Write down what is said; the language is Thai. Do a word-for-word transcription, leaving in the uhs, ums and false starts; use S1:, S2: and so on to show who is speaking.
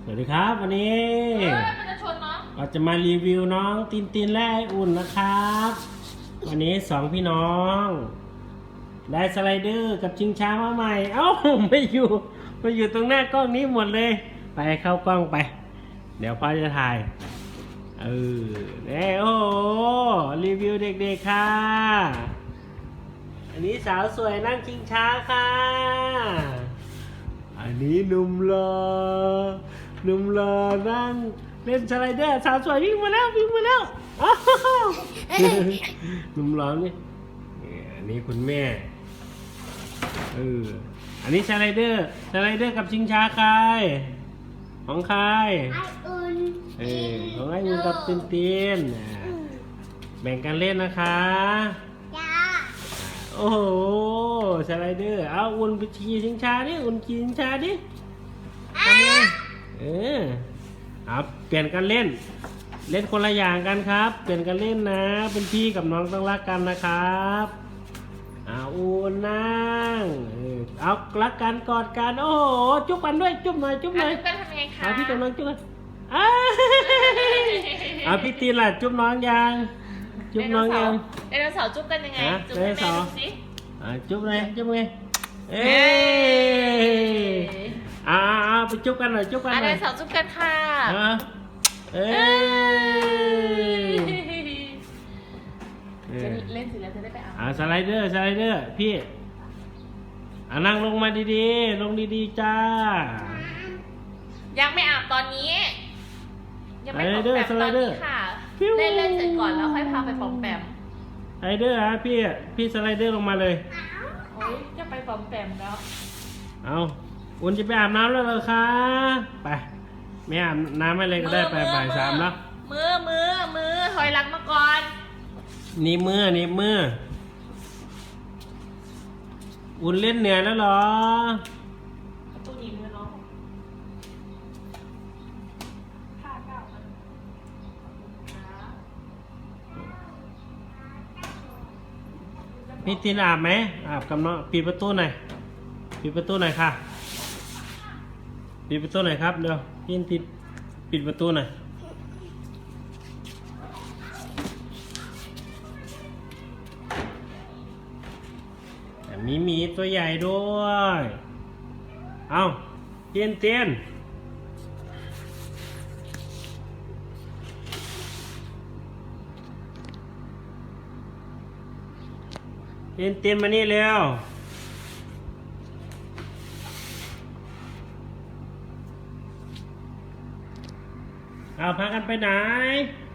S1: สวัสดีครับวันนี้
S2: เฮ้ยมันจะชนเนาะ
S1: เราจะมารีวิวน้องตินตินและไออุ่นนะครับ วันนี้สองพี่น้องได้สไลเดอร์กับชิงช้ามาใหม่ เอ้าไม่อยู่มาอยู่ตรงหน้ากล้องนี้หมดเลย ไปเข้ากล้องไป เดี๋ยวพ่อจะถ่ายเออเนี่ยโอ้โหรีวิวเด็กๆค่ะอันนี้สาวสวยนั่งชิงช้าค่ะอันนี้หนุ่มหล่อหนุ่มหล่อนั่งเล่นสไลเดอร์สาวสวยวิ่งมาแล้ววิ่งมาแล้วอ้าวหนุ่มหล่อนี่อันนี้คุณแม่เอออันนี้สไลเดอร์สไลเดอร์กับชิงช้าใครของใคร
S3: ไออุ่น
S1: เออของไอ้อุ่นกับตินตินอ่าแบ่งกันเล่นนะคะ
S3: จ้า
S1: โอ้โหสไลเดอร์เอาอุ่นไปขี่ชิงช้าดิอุ่นขี่ชิงช้าดิทำไงเออเอาเปลี่ยนกันเล่น เล่นคนละอย่างกันครับ เปลี่ยนกันเล่นนะ เป็นพี่กับน้องต้องรักกันนะครับเอาอุ่นนั่งเออเอารักกันกอดกันโอ้โหจุ๊บกันด้วยจุ๊บหน่อยจุ๊บหน่อย
S2: จุ๊บกันทำยังไงคะ
S1: เอาพี่กับน้องจุ๊บกันอ้าเอาพี่ตีนล่ะจุ๊บน้องยังจุ๊บน้องยัง
S2: ไดโนเสาร์จุ๊บกันยังไง
S1: ฮะ
S2: จุ๊บให้
S1: ไดโน
S2: แม่
S1: เสาร์
S2: ดูสิ
S1: อ่าจุ๊บเลยจุ๊บไงเอ้
S2: เอ้
S1: ยอ่าอ่าไปจุ๊บกันหน่อยจุ๊บกัน
S2: อ่ะ
S1: ห
S2: ได
S1: น่อย
S2: โนเสาร์จุ๊บกันค่ะ
S1: อ่าเอ้ยเอ
S2: จะ
S1: อ
S2: เล่นเสร็จแล้วจะได้ไปอาบ
S1: อ่าสไลเดอร์สไลเดอร์พี่อ่านั่งลงมาดีๆลงดีๆจ้า
S2: ยังไม่อาบตอนนี้ ยังไม่ปอม
S1: สไลเดอร์
S2: แปม
S1: ส
S2: ต
S1: ไล
S2: อน
S1: เดอร์
S2: นี้ค่ะ
S1: ฟิว
S2: เล่นเล่นเสร็จก่อนแล้วค่อยพาไปปอมแปม
S1: สไลเดอร์ฮะพี่พี่สไลเดอร์ลงมาเลย
S2: โอ้ยจะไปปอมแปมแล้ว
S1: เอาอุ่นจะไปอาบน้ำแล้วเหรอคะไปไม่อาบน้ำไม่เลยก็ได้ไปบ่ายสามแล้ว
S2: มือมือมือถอยหลังมาก่อน
S1: นี่มือนี่มืออุ่นเล่นเหนื่อยแล้วเหรอ
S2: ตู้นี้มือน้องผ้าเก่ามัน
S1: พี่ตินอาบไหมอาบกับน้องปิดประตูหน่อยปิดประตูหน่อยค่ะปิดประตูหน่อยครับเดี๋ยวพี่ตินปิดประตูหน่อยแต่มีหมีตัวใหญ่ด้วยเอาเตียนเตียนเตียนเตียนมานี่เร็วเอาพากันไปไหน